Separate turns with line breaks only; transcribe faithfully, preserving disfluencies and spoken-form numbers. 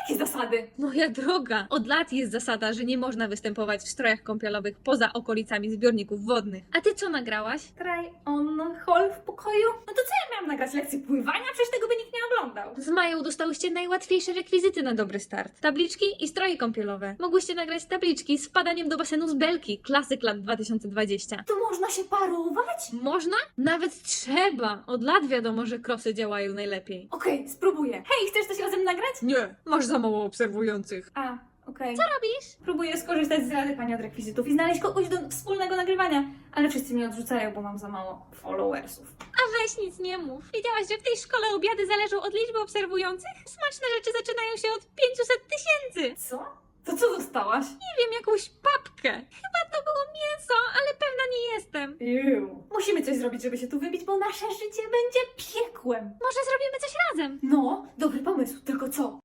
Jakie zasady?
Moja droga, od lat jest zasada, że nie można występować w strojach kąpielowych poza okolicami zbiorników wodnych. A ty co nagrałaś?
Try on hall w pokoju? No to co ja miałam nagrać? Lekcję pływania? Przecież tego by nikt nie oglądał.
Z Mają dostałyście najłatwiejsze rekwizyty na dobry start. Tabliczki i stroje kąpielowe. Mogłyście nagrać tabliczki z wpadaniem do basenu z belki, klasyk lat dwa tysiące dwadzieścia.
To można się parować?
Można? Nawet trzeba. Od lat wiadomo, że krosy działają najlepiej.
Okej, spróbuję. Hej, chcesz coś razem nagrać?
Nie, masz za mało obserwujących.
A, okej.
Co robisz?
Próbuję skorzystać z rady pani od rekwizytów i znaleźć kogoś do wspólnego nagrywania, ale wszyscy mnie odrzucają, bo mam za mało followersów.
A weź nic nie mów. Wiedziałaś, że w tej szkole obiady zależą od liczby obserwujących? Smaczne rzeczy zaczynają się od pięciuset tysięcy.
Co? To co dostałaś?
Nie wiem, jakąś papkę. Chyba to było mięso, ale pewna nie jestem.
Ew. Musimy coś zrobić, żeby się tu wybić, bo nasze życie będzie piekłem.
Może zrobimy coś razem?
No, dobry pomysł, tylko co?